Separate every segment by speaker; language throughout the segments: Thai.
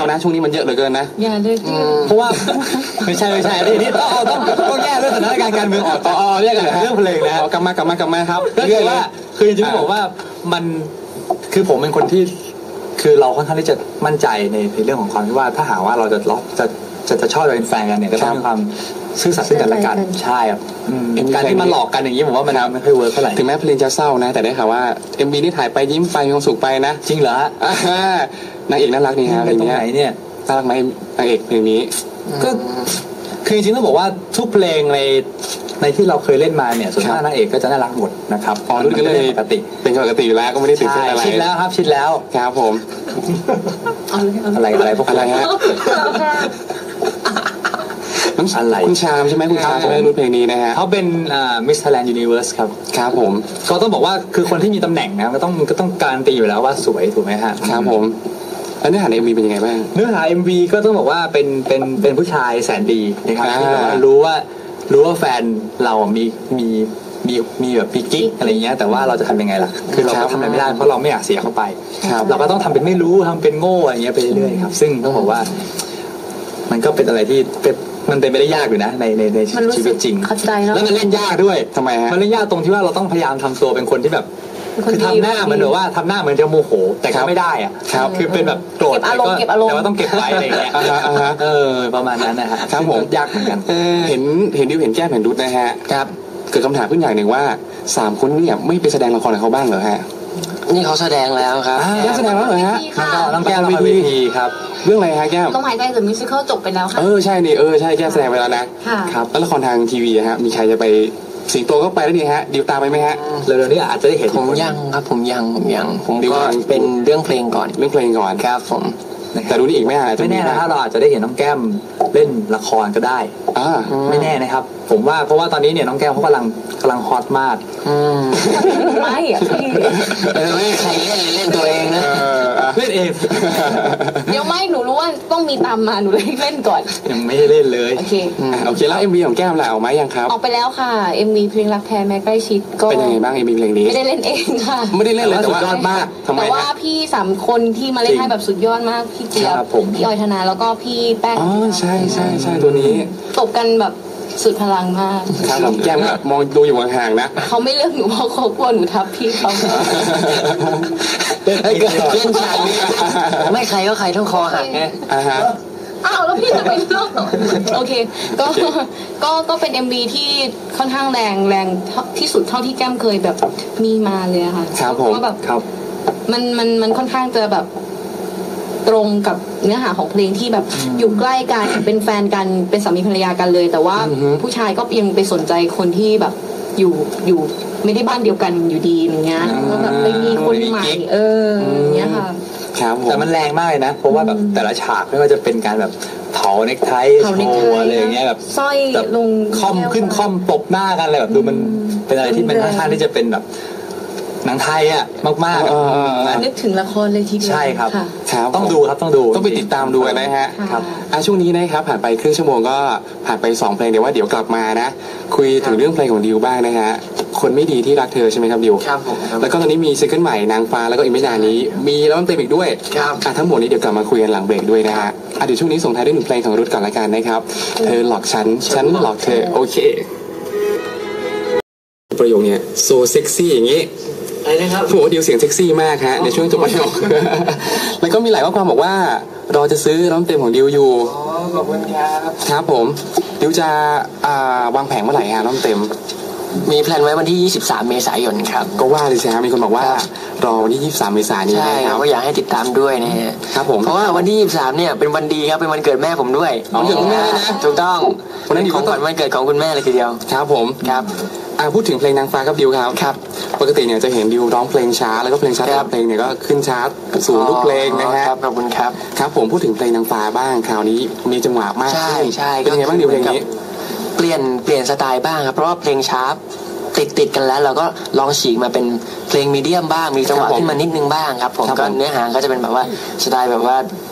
Speaker 1: นะช่วงนี้มันเยอะเหลือเกินนะ
Speaker 2: อย่าเลย
Speaker 3: เพราะว่าไม่ใช่นี่ต้องแยกเรื่องสถานการณ์การเมืองออกแยกกันเรื่องเพลงนะ
Speaker 1: กลับมาครับ
Speaker 3: ก็คือว่าคือจริงๆบอกว่ามันคือผมเป็นคนที่คือเราค่อนข้างที่จะมั่นใจในเรื่องของความที่ว่าถ้าหากว่าเราจะชอบเป็นแฟนกันเนี่ยก็ต้องมีความซื่อสัตย์ซึ่งกันและกันใช่ครับการที่มาหลอกกันอย่างนี้ผมว่ามันไม่ค่อยเวิร์คเท่าไหร่
Speaker 1: ถึงแม้เพลงจะเศร้านะแต่ได้ข่าวว่า MV นี่ถ่ายไปยิ้มไปมีความสุขไปนะ
Speaker 3: จริงเหร
Speaker 1: อนางเอกน่ารักนี่ฮะ
Speaker 3: เป็นตรงไหนเนี่ย
Speaker 1: น่ารักไหมนางเอกเพลงนี้
Speaker 3: ก็คือจริงๆต้องบอกว่าทุกเพลงในที่เราเคยเล่นมาเนี่ยส่วนมากนางเอกก็จะน่ารักหมดนะครับ
Speaker 1: รุ่นก็เลยปกติเป็นปกติอยู่แล้วก็ไม่ได้ตื่นเต้นอะไร
Speaker 3: ชิดแล้วครับชิดแล้ว
Speaker 1: ครับผม
Speaker 3: อะไรพวก
Speaker 1: อะไรฮะ
Speaker 3: อะไร
Speaker 1: คุณชามใช่ไหมคุณชามใช่ไหมรุ่นเพลงนี้นะฮะ
Speaker 3: เขาเป็นMiss Thailand Universe ครับ
Speaker 1: ครับผม
Speaker 3: ก็ต้องบอกว่าคือคนที่มีตำแหน่งนะก็ต้องการันตีอยู่แล้วว่าสวยถูกไหมฮะ
Speaker 1: ครับผมแล้วเนื้อหาใน MV เป็นยังไงบ้าง
Speaker 3: เนื้อหา MV ก็ต้องบอกว่าเป็นผู้ชายแสนดีนะครับที่รู้ว่าแฟนเรามีแบบปีกิ๊กอะไรเงี้ยแต่ว่าเราจะทำยังไงล่ะคือเราก็ทำอะไรไม่ได้เพราะเราไม่อยากเสียเข้าไปเราก็ต้องทำเป็นไม่รู้ทำเป็นโง่อะไรเงี้ยไปเรื่อยๆครับซึ่งต้องบอกว่ามันก็เป็นอะไรที่มันเป็นไม่ได้ยากอยู่นะในชีวิตจริงแล้วมันเล่นยากด้วย
Speaker 1: ทำไมฮะ
Speaker 3: มันเล่นยากตรงที่ว่าเราต้องพยายามทำตัวเป็นคนที่แบบคือทำหน้ามันแบบว่าทำหน้าเหมือนจะโมโหแต่ก็ไม่ได้อ่ะคือเป็นแบบโกรธแต่ว่าต้องเก็บไว้อะไรเงี้ยประมาณนั้นนะฮะ
Speaker 1: ครับผม
Speaker 3: ยากเหมือนกัน
Speaker 1: เห็นดิวเห็นแก้มเห็นดุดนะฮะ
Speaker 3: ครับ
Speaker 1: เกิดคำถามขึ้นอย่างหนึ่งว่า3คนเนี่ยไม่ไปแสดงละครกับเขาบ้างเหรอฮะ
Speaker 4: นี่เขาแสดงแล้วครับ
Speaker 1: แสดงแล้วเหรอฮะ
Speaker 3: น้องแก้มละครเวทีครับ
Speaker 1: เรื่องอะไรฮะแก้ม
Speaker 2: ลมหายใจหรือมิวสิคัลจบไปแล้วค่ะ
Speaker 1: ใช่นี่ใช่แก้มแสดงไปแล้วนะครับแล้วละครทางทีวีฮะมีใครจะไปสิงโตก็ไปแล้วนี่ฮะดิวตามไปไหมฮะ
Speaker 3: เร็วๆนี้อาจจะได้เห็น
Speaker 4: ผมยังครับผมก็เป็นเรื่องเพลงก่อนครับผม
Speaker 1: แต่รู้นี่อีกไม่
Speaker 3: แน่นะเราอาจจะได้เห็นน้องแก้มเล่นละครก็ได้ไม่แน่นะครับผมว่าเพราะว่าตอนนี้เนี่ยน้องแก้มเขากำลังฮอตมาก
Speaker 2: ไม่อะพี่
Speaker 4: ไม่ใครเล่นตัวเองนะ
Speaker 3: เล่นเอง
Speaker 2: เดี๋ยวไม่หนูรู้ว่าต้องมีตามมาหนูเลยเล่นก่อน
Speaker 3: ยังไม่ได้เล่นเลย
Speaker 2: โอเค
Speaker 1: แล้ว MV ของแก้มล่ะออกมายังครับ
Speaker 2: ออกไปแล้วค่ะ MV เพลงรักแท้แม้ใกล้ชิดก็
Speaker 1: เป็นยังไงบ้าง MV เพลงนี้
Speaker 2: ไม่ได้เล่นเองค่ะ
Speaker 1: ไม่ได้เล่นเลยแต่ว่ายอดมาก
Speaker 2: แต่ว่าพี่3คนที่มาเล่นให้แบบสุดยอดมากพี่เจี๊ยบพี่ออยธนาแล้วก็พี่แป้ง
Speaker 1: ใช่ตัวนี้
Speaker 2: ตบกันแบบสุดพลังมาก
Speaker 1: ครับผมแก้มมองดูอยู่ห่างๆนะ
Speaker 2: เขาไม่เลือกหนูเพราะเขากลัวหนูทับพี่เขา
Speaker 4: เล่นฉากนี้ไม่ใครก็ใครต้องคอหักไง
Speaker 2: อ้าวแล้วพี่จะไปเลือกโอเคก็เป็น MV ที่ค่อนข้างแรงที่สุดเท่าที่แก้มเคยแบบมีมาเลยค่ะ
Speaker 1: ครับผม
Speaker 2: ก็แบบมันค่อนข้างจะแบบตรงกับเนื้อหาของเพลงที่แบบอยู่ใกล้กันเป็นแฟนกันเป็นสามีภรรยากันเลยแต่ว่าผู้ชายก็ยังไปสนใจคนที่แบบอยู่ไม่ได้บ้านเดียวกันอยู่ดีอย่างเงี้ยก็แบบไปมีคนใหม่อย่างเงี้ยค่ะ
Speaker 3: แต่มันแรงมากเลยนะเพราะว่าแบบแต่ละฉากไม่ว่าจะเป็นการแบบเผาเน็กไทโชว์อะไรอย่างเงี้ยแบบ
Speaker 2: สร้อยลง
Speaker 3: ค่อมขึ้นค่อมตบหน้ากันอะไรแบบดูมันเป็นอะไรที่มันค่อนข้างที่จะเป็นแบบหนังไทยอ่ะมาก
Speaker 2: ๆนึกถึงละครเลยทีเดียว
Speaker 3: ใช่ครับต้องดูครับ
Speaker 1: ต้องไปติดตามดูนะฮะครับช่วงนี้นะครับผ่านไปครึ่งชั่วโมงก็ผ่านไป2เพลงเดี๋ยวว่าเดี๋ยวกลับมานะคุยถึงเรื่องเพลงของดิวบ้างนะฮะคนไม่ดีที่รักเธอใช่ไหมครับดิว
Speaker 4: ครับผม
Speaker 1: แล้วก็ตอนนี้มีซิงเกิลใหม่นางฟ้าแล้วก็อีกไม่นานนี้มีแล้วมันเต็มอีกด้วยทั้งหมดนี้เดี๋ยวกลับมาคุยกันหลังเบรกด้วยนะฮะเดี๋ยวช่วงนี้ส่งท้ายด้วย1เพลงของรุทก่อนละกันนะครับเธอหลอกฉันหลอกเธอโอเคประโยคเนี่ยโซเซ็กซี่อย่างงี้
Speaker 4: อะไรนะครับ
Speaker 1: โหดิวเสียงเซ็กซี่มากฮะในช่วงจบประโยคแล้วก็มีหลายข้อความบอกว่ารอจะซื้อน้ำเต็มของดิวอยู่
Speaker 4: ขอบคุณครับ
Speaker 1: ครับผมดิวจะวางแผงเมื่อไหร่ฮะน้ำเต็ม
Speaker 4: มีแพลนไว้วันที่23เมษายนครับ
Speaker 1: ก็ว่าเลยใช่ไหมมีคนบอกว่ารอวันที่23เมษายนนี้
Speaker 4: ใช่ครับก็อยากให้ติดตามด้วยนะฮะ
Speaker 1: ครับผม
Speaker 4: เพราะว่าวันที่23เนี่ยเป็นวันดีครับเป็นวันเกิดแม่ผมด้วย
Speaker 1: วันเกิดคุณแม่นะ
Speaker 4: ถูกต้องวันนั้นของขวัญวันเกิดของคุณแม่เลยทีเดียว
Speaker 1: ครับผม
Speaker 4: ครับ
Speaker 1: พูดถึงเพลงนางฟ้าครับดิวครับปกติเนี่ยจะเห็นดิวร้องเพลงช้าแล้วก็เพลงช้าเพลงเนี่ยก็ขึ้นชาร์ตสูงทุกเพลงนะฮะ
Speaker 4: ขอบคุณครับ
Speaker 1: ครับผมพูดถึงเพลงนางฟ้าบ้างคราวนี้มีจังหวะมาก
Speaker 4: ใช่
Speaker 1: เป็นไงบ้างดิวเพลงนี้
Speaker 4: เปลี่ยนสไตล์บ้างครับเพราะว่าเพลงช้าติดกันแล้วเราก็ลองฉีกมาเป็นเพลงมีเดียมบ้างมีจังหวะขึ้นมานิดนึงบ้างครับผมก็เนื้อหาก็จะเป็นแบบว่าสไตล์แบบว่า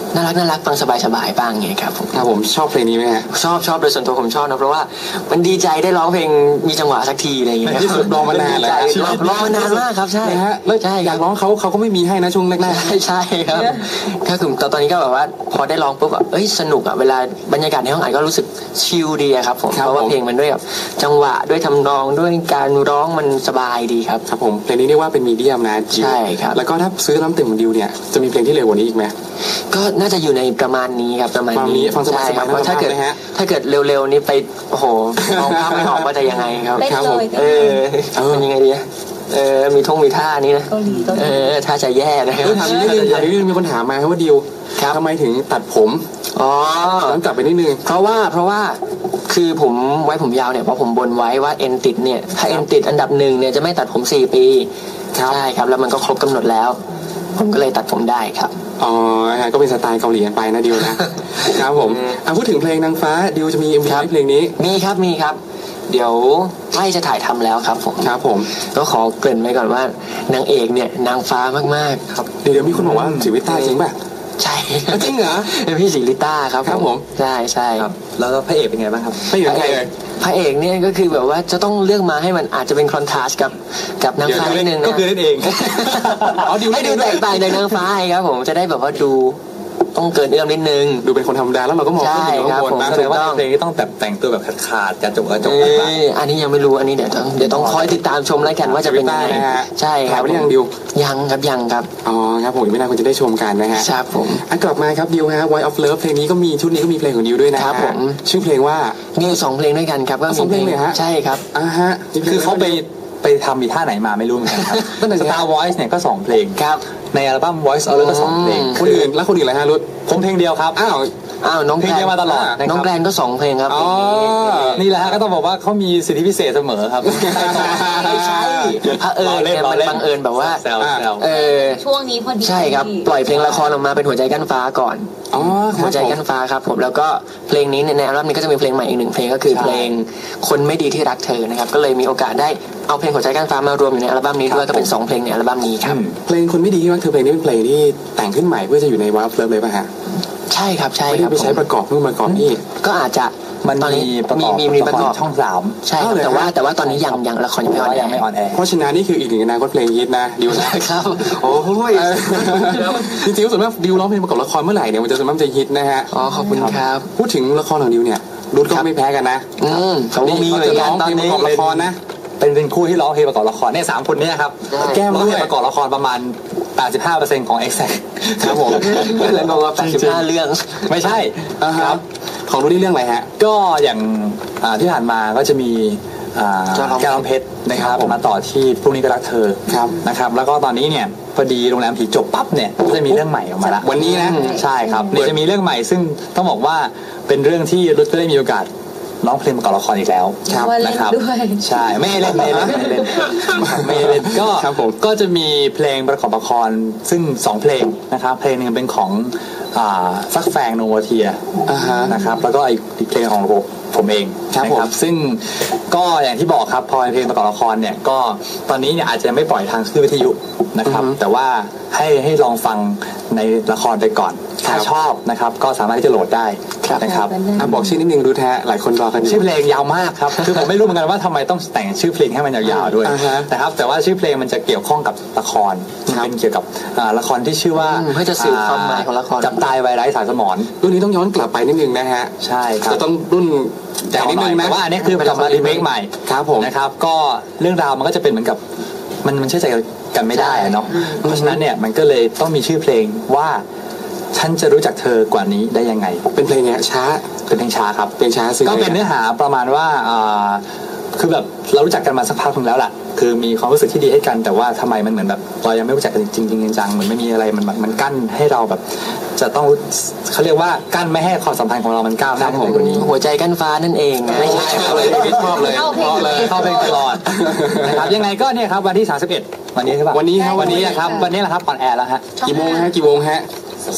Speaker 4: น่ารักฟังสบายๆบ้างไงครับผม
Speaker 1: ครับผมชอบเพลงนี้ไหมฮะ
Speaker 4: ชอบโดยส่วนตัวผมชอบนะเพราะว่ามันดีใจได้ร้องเพลงมีจังหวะสักทีอะไรอย่างเงี้ย
Speaker 1: ในที่สุดรอมานานแล้ว
Speaker 4: รอมานานมากครับใช่
Speaker 1: นะฮะแล้ว
Speaker 4: ใช่
Speaker 1: อยากร้องเขาก็ไม่มีให้นะช่วงแรก
Speaker 4: ใช่ครับก็คือตอนนี้ก็แบบว่าพอได้ร้องปุ๊บแบบสนุกอ่ะเวลาบรรยากาศในห้องอัดก็รู้สึกชิลดีอะครับผมเพราะว่าเพลงมันด้วยแบบจังหวะด้วยทำนองด้วยการร้องมันสบายดีครับ
Speaker 1: ๆครับผมเพลงนี้เรียกว่าเป็นมีเดียมนะดิว
Speaker 4: ใช่ครับ
Speaker 1: แล้วก็ถ้าซื้อน้ำเต็มของดิวเนี่ยจะมีเพลงที่เร็วกว่านี้อีกไหม
Speaker 4: ก็น่าจะอยู่ในประมาณนี้ครับประมาณ
Speaker 1: ประมาณนี้
Speaker 4: นี้
Speaker 1: ฟังสบายๆ
Speaker 4: ใช่ครับ
Speaker 1: นะ
Speaker 4: เพราะถ้าเกิด
Speaker 1: นะฮะ
Speaker 4: เร็วๆนี่ไปโอ้โหมองภาพไม่ออกว่าจะยังไงครับ
Speaker 2: เต้น
Speaker 1: ครับ
Speaker 2: เล
Speaker 1: ผม
Speaker 2: ย
Speaker 4: มันยังไงดีมีท่านี้นะ
Speaker 2: เกาหลี
Speaker 4: ท่าจะแย่นะครับ
Speaker 1: ถามนิดนึงมีคนถามมาครับว่าดิว
Speaker 4: ครับ
Speaker 1: ทำไมถึงตัดผม
Speaker 4: อ๋อ
Speaker 1: ย้อนกลับไปนิดนึง
Speaker 4: เพราะว่าคือผมไว้ผมยาวเนี่ยเพราะผมบนไว้ว่าเอ็นติดเนี่ยถ้าเอ็นติดอันดับ1เนี่ยจะไม่ตัดผม4 ปี
Speaker 1: ครับ
Speaker 4: ใช่ครับแล้วมันก็ครบกำหนดแล้ว ผมก็เลยตัดผมได้ครับ
Speaker 1: อ๋อฮะก็เป็นสไตล์เกาหลีกันไปนะดิวนะครับผมพูดถึงเพลงนางฟ้าดิวจะมี MV
Speaker 4: ครับ
Speaker 1: ให้เพลงนี้
Speaker 4: มีครับ เดี๋ยวใกล้จะถ่ายทำแล้วครับผม
Speaker 1: ครับผม
Speaker 4: ก็ขอเกริ่นไว้ก่อนว่านางเอกเนี่ยนางฟ้ามากๆครับ
Speaker 1: เดี๋ยวมีคนบอกว่าศิวิต้าจริงป่ะ
Speaker 4: ใช่
Speaker 1: จริงเหรอ
Speaker 4: เป็นพี่ศรีลิต้าครับ
Speaker 1: ครับผม
Speaker 4: ใช่
Speaker 3: ครับแล้วพระเอกเป็นไงบ้างครับ
Speaker 1: ไม่อยู่ใครเลย
Speaker 4: พระเอกเนี่ยก็คือแบบว่าจะต้องเลือกมาให้มันอาจจะเป็นคอนทราสต์กับนางฟ้านิดนึงนะ
Speaker 3: ก็คือนั่นเอง
Speaker 1: อ๋อดิว
Speaker 4: ให้ดูแตกต่างจากนางฟ้าครับผมจะได้แบบว่าดูต้องเกินเอื้อมนิดนึง
Speaker 1: ดูเป็นคนธรรมดาแล้วเราก็มองขึ้นอยู่ข้างบนนะ
Speaker 4: ใช่
Speaker 3: แส
Speaker 4: ครับ
Speaker 3: ดงว่าเพลงนี้ต้องแต่งตัวแบบขาดๆกระจก
Speaker 4: อันนี้ยังไม่รู้อันนี้เดี๋ยวต้องคอยติดตามชมแล้วกันว่าจะเป็นยังไง
Speaker 1: นะฮะ
Speaker 4: ใช่ครับ
Speaker 1: ถ่ายไว้หรือยังดิว
Speaker 4: ยังครับ
Speaker 1: อ๋อครับผมอีกไม่นานคุณจะได้ชมกันนะฮะ
Speaker 4: ครับผม
Speaker 1: กลับมาครับดิวฮะ Voice of Love เพลงนี้ก็มีชุดนี้ก็มีเพลงของดิวด้วยนะครับ
Speaker 4: ผม
Speaker 1: ชื่อเพลงว่า
Speaker 4: มีอยู่2 เพลงด้วยกันครับก็
Speaker 1: สองเพลงเลยฮะ
Speaker 4: ใช่ครับ
Speaker 1: ฮะ
Speaker 3: คือเขาไปทำอีท่าไหนมาไม่รู้เหมือนกันครับ
Speaker 1: นั่นน่ะสิฮะ
Speaker 3: Star Voice เนี่ยก็2 เพลง
Speaker 4: ครับ
Speaker 3: ในอัลบั้ม Voice of Love ก็2 เพลง
Speaker 1: คนอื่นแล้วคนอื่นอะไรฮะรุด
Speaker 3: ผมเพลงเดียวครับ
Speaker 1: อ้าว
Speaker 4: น้อง
Speaker 3: เพลงเดียวมาตลอดนะครับ
Speaker 4: น้องแกลนก็2 เพลงครับ
Speaker 1: อ๋อ
Speaker 3: นี่แหละฮะก็ต้องบอกว่าเขามีสิทธิพิเศษเสมอครับ
Speaker 4: ไม่ใช่พระเนี่ยมันบังเอิญแบบว่า
Speaker 3: แซว
Speaker 2: ช่วงนี้พอดี
Speaker 4: ใช่ครับปล่อยเพลงละครออกมาเป็นหัวใจกั้นฟ้าก่อน
Speaker 1: อ๋อค
Speaker 4: หั
Speaker 1: รั
Speaker 4: ว
Speaker 1: บ
Speaker 4: ใจ
Speaker 1: ผม
Speaker 4: กั้นฟ้าครับผมแล้วก็เพลงนี้ในอัลบั้มนี้ก็จะมีเพลงใหม่อีก1 เพลงก็คือเพลงคนไม่ดีที่รักเธอนะครับก็เลยมีโอกาสได้เอาเพลงหัวใจกั้นฟ้ามารวมอยู่ในอัลบั้มนี้ด้วยก็เป็น2 เพลงในอัลบั้มนี้ครับ
Speaker 1: เพลงคนไม่ดีที่รักเธอเพลงนี้เป็นเพลงที่แต่งขึ้นใหม่เพื่อจะอยู่ใน Voice of Love เลยป่ะฮะ
Speaker 4: ใช่ครับ
Speaker 1: ไม่ได้ไปใช้ประกอบนู่นประกอบนี่
Speaker 4: ก็อาจจะ
Speaker 3: มัน
Speaker 4: ตอน
Speaker 3: มี
Speaker 4: นี้
Speaker 3: ประกอบ
Speaker 4: มีประกอบ
Speaker 3: ช่อง 3
Speaker 4: ใช่ครับ
Speaker 1: เอาเลย
Speaker 4: แต่ว่าตอนนี้ยังละครยังไม่ออนแอ
Speaker 3: ยัง
Speaker 4: ร์
Speaker 3: ไม่ออนแอร์
Speaker 1: เพราะฉะนั้นนี่คืออีกหนึ่งอนาคตเพลงฮิตนะดิวนะครับ
Speaker 4: โอ้ย
Speaker 1: จริงๆส่วนมากดิวร้องเพลงประกอบละครเมื่อไหร่เนี่ยมันจะส่วนมากจะฮิตนะฮะ
Speaker 4: อ๋อขอบคุณครับ
Speaker 1: พูดถึงละครของดิวเนี่ยรุดก็ไม่แพ้กันนะ
Speaker 4: เขาก็มีเหมือน
Speaker 1: จะ
Speaker 4: กั
Speaker 1: ร้
Speaker 4: น
Speaker 1: อง
Speaker 4: ตอ
Speaker 1: เพ
Speaker 4: น
Speaker 1: ลงป
Speaker 4: นี้
Speaker 1: ระกอบละครนะ
Speaker 3: เป็นคู่ที่ร้องเพลงประกอบละครเนี่ย3 คนเนี้ครับ
Speaker 1: แก้ม
Speaker 3: ร้อง
Speaker 1: ด้
Speaker 3: เพ
Speaker 1: วย
Speaker 3: ลงประกอบละครประมาณ 85% ของ Exact
Speaker 1: ครับผม
Speaker 4: แล้วบอกว่า85 เรื่อง
Speaker 3: ไม่ใช่
Speaker 1: ครับของรุดนี่เรื่องอะไรฮะ
Speaker 3: ก็อย่างที่ผ่านมาก็จะมี แก้วน้ำเพชรนะครับมาต่อที่พรุ่งนี้ก็รักเธอ
Speaker 1: ครับ
Speaker 3: นะครับแล้วก็ตอนนี้เนี่ยพอดีโรงแรมผีจบปั๊บเนี่ยก็จะมีเรื่องใหม่ออกมาละ
Speaker 1: วันนี้นะ
Speaker 3: ใช่ครับเดี๋ยวจะมีเรื่องใหม่ซึ่งต้องบอกว่าเป็นเรื่องที่รุดก็ได้มีโอกาสร้องเพลงประกอบละครอีกแล้ว
Speaker 2: ครับเล่น
Speaker 3: นะครับ
Speaker 2: ด้วย
Speaker 3: ใช่ไม่ได้เล่นไม่ได้เล่นก็
Speaker 1: ครับผม
Speaker 3: ก็จะมีเพลงประกอบละครซึ่ง2 เพลงนะครับเพลงหนึงเป็นของฟักแฟงโนโวเทีย นะครับแล้วก็อีกเพลงของผมเอง
Speaker 1: ครับ
Speaker 3: นะ
Speaker 1: ผม
Speaker 3: ซึ่งก็อย่างที่บอกครับพอเป็นเพลงประกอบละครเนี่ยก็ตอนนี้เนี่ยอาจจะไม่ปล่อยทางคลื่นวิทยุนะครับแต่ว่าให้ลองฟังในละครไปก่อนถ้าชอบนะครับก็สามารถที่จะโหลดได้นะครับ
Speaker 1: บอกชื่อนิดนึงดูแท้หลายคนรอกันอยู่
Speaker 3: ชื่อเพลงยาวมากครับ คือผมไม่รู้เหมือนกันว่าทำไมต้องแต่งชื่อเพลงให้มันยาวๆด้วย นะครับแต่ว่าชื่อเพลงมันจะเกี่ยวข้องกับละครมันเป็นเกี่ยวกับละครที่ชื่อว่า
Speaker 4: เพื่อจะสื่อความหมายของละคร
Speaker 3: จับตายไวไร้สายสมอง
Speaker 1: รุ่นนี้ต้องย้อนกลับไปนิดนึงนะฮะ
Speaker 3: ใช่ครับ
Speaker 1: จะต้องรุ่นใหญ่นิดนึงนะ
Speaker 3: แต่ว่าอันนี้คือมันกลับมารีเมคใหม่
Speaker 1: ครับผม
Speaker 3: นะครับก็เรื่องราวมันก็จะเป็นเหมือนกับมันเชื่อใจกันไม่ได้อะเนาะเพราะฉะนั้นเนี่ยมันก็เลยต้องมีชื่อเพลงว่าฉันจะรู้จักเธอกว่านี้ได้ยังไง
Speaker 1: เป็นเพลงไงช้า
Speaker 3: เป็นเพลงช้าครับ
Speaker 1: เพลงช้าซึ่ง
Speaker 3: ก็เป็นเนื้อหาประมาณว่าคือแบบเรารู้จักกันมาสักพักนึงแล้วล่ะคือมีความรู้สึกที่ดีให้กันแต่ว่าทำไมมันเหมือนแบบเรายังไม่รู้จักกันจริงๆจังๆเหมือนไม่มีอะไรมันกั้นให้เราแบบจะต้องเขาเรียกว่ากั้นไม่ให้ความสัมพันธ์ของเรามันก้าวหน้าไปกว่านี้
Speaker 4: หัวใจกั้นฟ้านั่นเองนะ
Speaker 1: ไม่ใช่เลยชอบเลย
Speaker 2: เข้าเพลงเลย
Speaker 3: เข้าเพลงตลอดนะครับยังไงก็เนี่ยครับวันที่31วันนี้ใช่ปะ
Speaker 1: วันนี้ครับ
Speaker 3: วันนี้นะครับวันนี้แหละครับออนแอร์แล้วฮะ
Speaker 1: กี่โมงฮะกี่โมงฮะ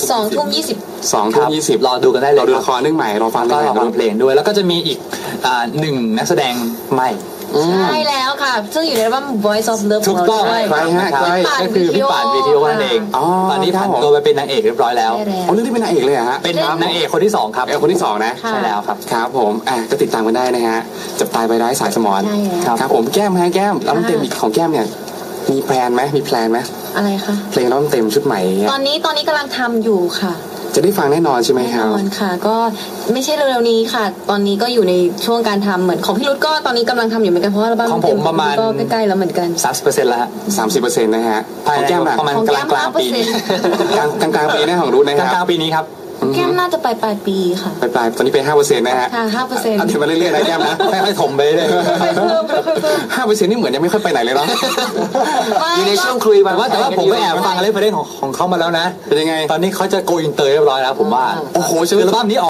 Speaker 2: 2:20
Speaker 1: 2:20
Speaker 3: รอดูกันได้เลย
Speaker 1: เราดูละครเรื่องใหม่รอฟัง
Speaker 3: ก็
Speaker 1: เรื่องใหม่
Speaker 3: ฟังเพลงด้วยแล้วก็จะมีอีก1 นักแสดงใหม่
Speaker 2: ใช่แล้วค่ะ ซึ่งอยู่ในอัลบั้ม Voice of Love
Speaker 3: ถูกต้อง
Speaker 2: ด้วย
Speaker 1: ใครฮะใคร
Speaker 3: ก็คือพี่ป่านวีทีโอนั่นเอง
Speaker 1: อ๋อ
Speaker 3: ตอนนี้ผ่านตัวไปเป็นนางเอกเรียบร้อยแล้ว
Speaker 2: ใช่แล้ว
Speaker 1: อ๋อเรื่องที่เป็นนางเอกเลยเหรอฮะ
Speaker 3: เป็นนางเอกคนที่ 2 ครับ
Speaker 1: คนที่สองนะ
Speaker 2: ค่ะ
Speaker 3: ใช่แล้วครับ
Speaker 1: ครับผมก็ติดตามกันได้นะฮะจับตายไปได้สายสมอน
Speaker 2: ใช่แล้ว
Speaker 1: ครับผมแก้มฮะแก้มอัลบั้มเต็มอีกของแก้มเนี่ยมีแพลนไหมมีแพลนไหม
Speaker 2: อะไรคะ
Speaker 1: เพลงอัลบั้มเต็มชุดใหม่เนี่ย
Speaker 2: ตอนนี้กำลังทำอยู่ค่ะ
Speaker 1: จะได้ฟังแน่นอนใช่ไหม
Speaker 2: แน่
Speaker 1: ครั
Speaker 2: น
Speaker 1: บ
Speaker 2: อนค่ะ ก็ไม่ใช่เร็วๆนี้ค่ะ ตอนนี้ก็อยู่ในช่วงการทำเหมือนของพี่รุธก็ตอนนี้กำลังทำอยู่เหมือนกันเพราะว่าอัลบั้ม
Speaker 3: ของผม
Speaker 2: เต็ม
Speaker 3: ประมาณ
Speaker 2: ก็ใกล้ๆแล้วเหมือนกัน
Speaker 3: 30%แล้วฮะ
Speaker 1: 30%นะฮะ
Speaker 3: ภาย
Speaker 1: ของ
Speaker 3: ใน
Speaker 1: แก้มอะ
Speaker 3: ประมาณ
Speaker 2: ของ
Speaker 3: ก
Speaker 2: แก้
Speaker 3: ลาง
Speaker 2: ม
Speaker 3: กลางปี
Speaker 2: 5%
Speaker 1: กลางปีนะของรุ่นนะ
Speaker 3: ก
Speaker 1: ค
Speaker 3: ลาง
Speaker 1: รับ
Speaker 3: กลางปีนี้ครับ
Speaker 2: แก้มน่าจะปลายปีค่ะ
Speaker 1: ปลายๆตอนนี้เป็น5%นะฮะ
Speaker 2: ค่ะ 5%
Speaker 1: เอาเดี๋ยวมาเรื่อยๆนะแก้มนะ
Speaker 3: ค่อยๆถมไปเลย
Speaker 2: ค่อยๆเพิ่ม
Speaker 1: 5%นี่เหมือนยังไม่ค่อยไปไหนเลยเนาะ
Speaker 4: อยู่ในช่วงคุย
Speaker 3: แต่ว่าผมก็แอบฟังเรฟเฟอเรนซ์ของเขามาแล้วนะ
Speaker 1: เป็นยังไง
Speaker 3: ตอนนี้เขาจะโกอินเตอร์เรียบร้อยแล้วผมว่า
Speaker 1: โอ้โห
Speaker 3: คืออัลบั้มนี้